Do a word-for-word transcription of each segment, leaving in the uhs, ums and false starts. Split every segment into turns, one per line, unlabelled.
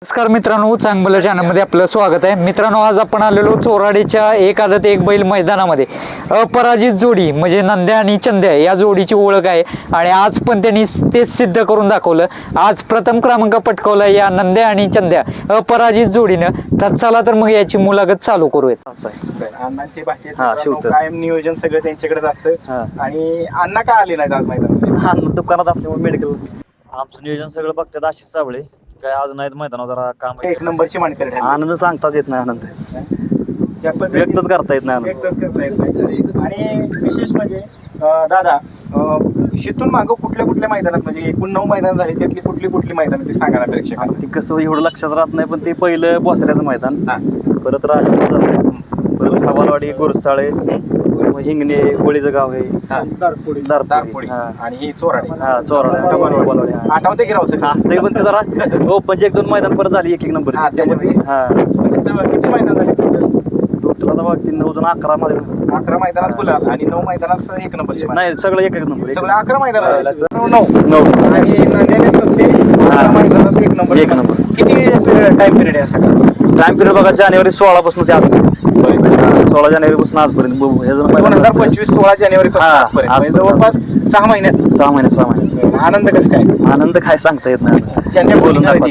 नमस्कार मित्रांनो, चांगलं चॅनलमध्ये आपलं स्वागत आहे. मित्रांनो, आज आपण आलेलो चोराडीच्या एक आदत एक बैल मैदानामध्ये अपराजित जोडी म्हणजे नंद्या आणि चंद्या या जोडीची ओळख आहे आणि आज पण त्यांनी तेच सिद्ध करून दाखवलं. आज प्रथम क्रमांक पटकावला या नंद्या आणि चंद्या अपराजित जोडीनं. तर चला तर मग याची मुलाखत चालू करूयात.
अण्णांचे भाचे कायम नियोजन सगळं त्यांच्याकडेच असतं. आणि अण्णा का आले नाहीत आज मैदानात?
अण्णा दुकानात असल्यामुळे मेडिकल आमचं नियोजन सगळं बघतात आशिष साबळे. काय आज नाहीत मैदानावर जरा काम
एक नंबरची मानकरी ठरली.
आनंद सांगताच येत नाही. आनंद
ज्या पद्धतीने
व्यक्तच करता येत नाही.
व्यक्तच करता येत नाही. आणि विशेष म्हणजे अं, दादा अं, शितून मागं कुठल्या कुठल्या मैदानात म्हणजे एकूण नऊ मैदान झाली, त्यातली कुठली कुठली मैदान ते सांगा ना प्रेक्षकांना.
ती कसं एवढं लक्षात राहत नाही, पण ते पहिलं बोसऱ्याचं मैदान, परत राजपूर झालं, परत सवालवाडी, गुरसाळे, हिंगणे, कोळीचं गाव आहे,
दारपोडी
दारपोडी
आणि ही चोराडी.
हा चोराडे
आठवते की राव सगळं?
असते, पण ते जरा हो म्हणजे एक दोन मैदान परत झाली एक एक नंबर.
हा, त्यामध्ये
हा
तिथं किती मैदान झाले तुमचं?
टोटल आता बघ तीन नऊ दोन अकरा मध्ये
अकरा मैदानात गुलाल आणि नऊ मैदानात एक नंबरची मानकरी.
नाही सगळं एक एक नंबर.
सगळं अकरा मैदानात झालं. नऊ
नऊ
आणि नंद्याने नुसते अकरा मैदानात एक नंबर.
एक नंबर.
किती टाइम पिरियड आहे सगळं?
टाइम पिरियड बघा जानेवारी सोळा पासून ते आज सोळा जानेवारी पासून आजपर्यंत
दोन हजार पंचवीस सोळा जानेवारी
हा,
पासून जवळपास सहा महिन्यात.
सहा महिने सहा महिने
आनंद कसं काय?
आनंद काय सांगता येत नाही.
चंद्या बोलून
दादा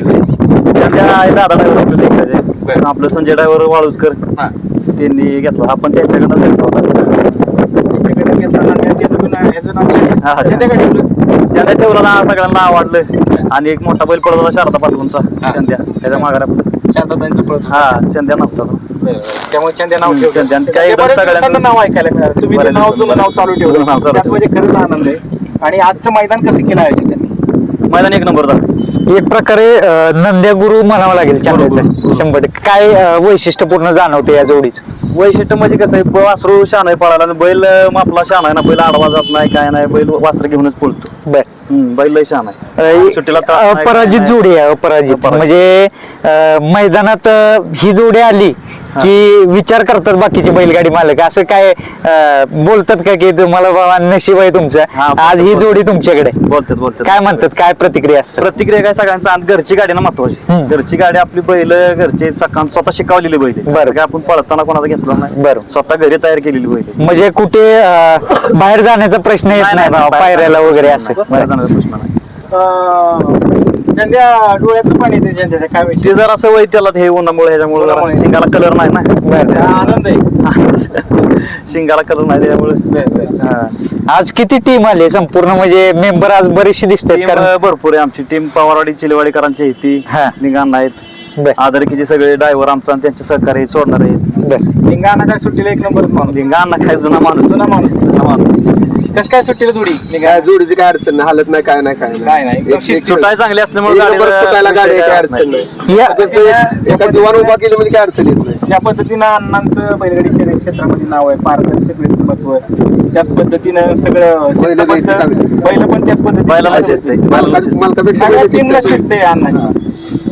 ड्रायव्हर आपलं संजय ड्रायव्हर वाळूजकर त्यांनी घेतला. आपण त्यांच्याकडनं घेतला होता. चंद्या ठेवला ना, सगळ्यांना आवडलं. आणि एक मोठा बैल पडत होता शारदा पाटलांचा चंद्या, त्याच्या माघार हा चंद्या नव्हता.
त्यामुळे चंद्या नाव ठेवलं.
काही
बऱ्याच
सगळ्यांना
दिवसांना नाव ऐकायला मिळालं. तुम्ही ते नाव जुनं नाव चालू ठेवलं.
नाव चालू
त्यात म्हणजे खरंच आनंद आहे. आणि आजचं मैदान कसं केलं आयोजन त्यांनी?
मैदान एक नंबर झालं.
एक प्रकारे अं, नंद्या गुरु म्हणावं लागेल चंद्याचं. शंभर टक्के काय अं, वैशिष्ट्यपूर्ण जाणवते या जोडीचं?
वैशिष्ट्य म्हणजे कसं आहे, वासरू शान आहे पळायला आणि बैल आपला शान आहे ना. बैल आडवा जात नाही काय नाही, बैल वासर घेऊनच पळतो.
बर,
बैल लय शान आहे. सुट्टीला त्रास नाही,
अपराजित
काय
जोडी आहे. अपराजित
अपराजित.
म्हणजे अं, मैदानात अं, ही जोडी आली की विचार करतात बाकीचे बैलगाडी मालक, असं काय अं, बोलतात का की तुम्हाला बाबा नशीब आहे तुमचं,
हा,
आज ही जोडी तुमच्याकडे?
बोलतात बोलतात
काय म्हणतात, काय प्रतिक्रिया असतात?
प्रतिक्रिया काय सगळ्यांचा घरची गाडी ना महत्वाची.
हम्म.
घरची गाडी आपली बैल घरचे सकाळ स्वतः शिकवलेली बैल आहे.
बरं.
काय आपण पळताना कोणाला घेतला नाही,
बरं.
स्वतः घरी तयार केलेली बैल आहे.
म्हणजे कुठे अं, बाहेर जाण्याचा प्रश्न येत नाही बाबा, पायऱ्याला वगैरे असं?
बाहेर जाण्याचा प्रश्न नाही.
चंद्या डोळ्यातून पाणी येते चंद्याच्या. काय विषय?
ते जरा सवय त्याला हे उन्हामुळे ह्याच्यामुळे जरा
उन्हामुळे.
शिंगाला कलर नाही ना.
बरं.
आनंद आहे.
शिंगाला कलर नाही त्यामुळे. हा.
आज किती टीम आली संपूर्ण, म्हणजे मेंबर आज बरीचशी दिसतात?
टीम
कारण
भरपूर आहे आमची टीम. पवारवाडी चिलेवाडीकरांची आहे ती.
हा.
निघाण आहेत
बर
आदरकीचे सगळे ड्रायव्हर आमचा आणि त्यांचे सहकारी सोडणार आहेत.
बर.
लिंगाना काय सुट्टीला एक नंबर माणूस.
निघाण काय जुना माणूस.
जुना माणूस.
जुना माणूस.
कसं काय सुट्टीला जोडी?
काय जोडीची काय अडचण नाही, हालत नाही, काय नाही, काय
काय नाही, एकदम
एक- एक-
सुटाय चांगली असल्यामुळे
एक नंबर
गाडीला-
सुटायला गाडी आहे, काय अडचण नाही.
या
कसं आहे, एका जीवान उभा केली म्हणजे काय अडचण येत नाही.
ज्या पद्धतीनं अण्णांचं बैलगाडी शर्यत क्षेत्रामध्ये नाव आहे, पारदर्शक व्यक्तिमत्व, त्याच पद्धतीनं सगळं
बैल बैल
शिस्तबद्ध-
चांगली.
बैल पण त्याच पद्धतीने
बैलाला शिस्त आहे.
मालका- मालकापेक्षा
सगळ्या
बैल
टीमला
शिस्त आहे.
शिस्त आहे अण्णांची.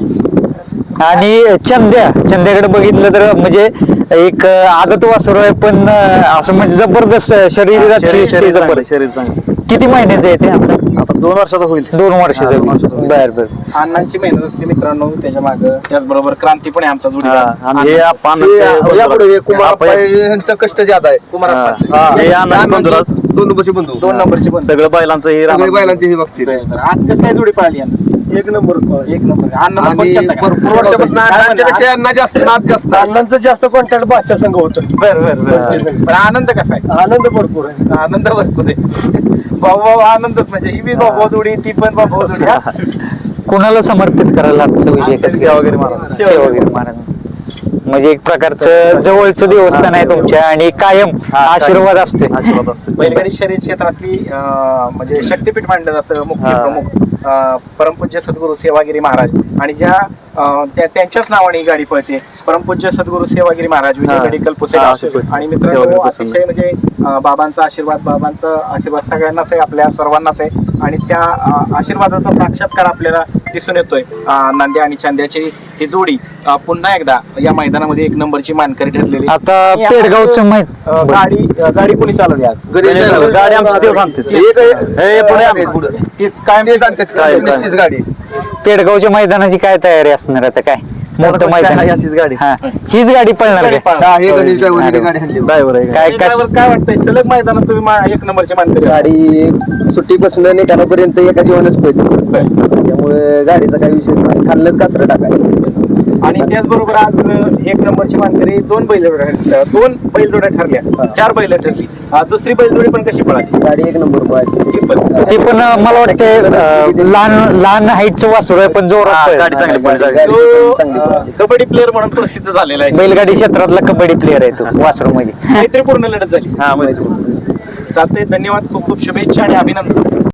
आणि चंद्या चंद्याकडे बघितलं तर म्हणजे एक आदत वासरू आहे, पण असं म्हणजे जबरदस्त शरीराची
शरीर-
ती
शरीर
जबर.
चांगलं, शरीर चांगलं.
किती महिन्याचं आहे ते आता?
आता दोन वर्षाचा होईल.
दोन वर्षाचं
हा, दोन वर्षाचं
आहे.
होईल.
बर बर.
अण्णांची मेहनत असते मित्रांनो त्याच्या मागं. त्याचबरोबर क्रांती पण आहे आमचा
हा,
जोडीदार.
आणि हे आपण
हे- यापुढे हे कुमार अप्पा यांचं कष्ट ज्यादा आहे.
कुमार
हा.
अप्पांचं.
हा.
हे आनंद बंधुराज.
दोन नंबरचे बंधू,
दोन नंबरची पण.
सगळं बैलांचं हे
सगळे
राहणार.
बैलांचे हे बघतील.
आज कसं काय जोडी पाळली यांना? एक नंबर एक नंबर. अण्णा पण
आणि
केलता का?
भरपूर वर्षापासून
काय
अण्णांच्यापेक्षा
म्हणला?
यांना जास्त नाद जास्त आहे.
अण्णांचं जास्त कॉन्टॅक्ट बादशा संघ होतं.
बरं बरं बरं. पण आनंद कसा आहे?
आनंद भरपूर आहे.
आनंद भरपूर आहे. भाऊ भाऊ आनंदच म्हणजे ही बी भाऊ जोडी, ती पण भाऊ जोडी. हा.
कोणाला समर्पित करायला आजचा विजय कसं
सेवा वगैरे महाराज.
काय? सेवा वगैरे महाराज. म्हणजे एक प्रकारचं जवळचं देवस्थान आहे तुमच्या आणि कायम आशीर्वाद असते.
आशीर्वाद असतो.
बैलगाडी शर्यत क्षेत्रातली अं, म्हणजे शक्तीपीठ मानलं जातं. मुख्य
हा.
प्रमुख अं, परमपूज्य सद्गुरू सेवागिरी महाराज आणि ज्या अं, त्या- त्यांच्याच नावाने ही गाडी पळते. परमपूज्य सद्गुरू सेवागिरी महाराज विजय
हा.
मेडिकल
हा,
पुसेगाव.
शिकवते.
आणि मित्रांनो
सेवागिरी पुसेगाव.
अतिशय म्हणजे अं, बाबांचा आशीर्वाद बाबांचा आशीर्वाद सगळ्यांनाच आहे, आपल्या सर्वांनाच आहे. आणि त्या अं, आशीर्वादाचा साक्षात्कार आपल्याला दिसून येतोय. अं, नांद्या आणि चांद्याची ही जोडी अं, पुन्हा एकदा या मैदानामध्ये एक नंबरची मानकरी ठरलेली.
आता
आणि या
पेडगावचं
अं,
माहित
गाडी अं, गाडी कोणी चालवली आज?
घरी
गाडी- गाडी आमची तेव्हा आणते.
हे काय-
हे पुढे आण.
पुढं.
तीच कायम
तेच आणतात,
काय-
निश्चित गाडी.
पेडगावच्या मैदानाची काय तयारी असणार आता काय मोठं मैदान
आहे अशीच गाडी
हा हीच गाडी पळणार
गाडी
काय?
पळणार.
हा, हे गणेश ड्रायव्हरने गाडी आणली
ड्रायव्हर आहे
काय कश
ड्रायव्हर काय वाटतंय सलग मैदानात तुम्ही मा- एक नंबरचे मानकरी आहात.
गाडी सुट्टी बसणं निकालापर्यंत एका जीवनच पडते त्यामुळे गाडीचा काही विषय नाही खाल्लंच कासरं टाकायचं
आणि त्याचबरोबर आज एक नंबरची मानकरी दोन बैल दोन बैलजोड्या ठरल्या चार बैल ठरली अं, दुसरी बैलजोडी पण कशी पळाली
गाडी एक नंबर पळाली
ती पण
ते पण अं, मला वाटते अं, लहान लहान हाईटचं वासुर आहे पण जोरात
हा,
पळेल.
गाडी चांगली पळाली.
गाडी
तो
चांगली
अं,
पळाली.
कबड्डी प्लेअर म्हणून प्रसिद्ध झालेला आहे
बैलगाडी क्षेत्रातला कबड्डी प्लेअर आहे तो वासरू म्हणजे
मैत्रीपूर्ण लढत झाली
हा माहिती
चालते धन्यवाद खूप खूप शुभेच्छा आणि अभिनंदन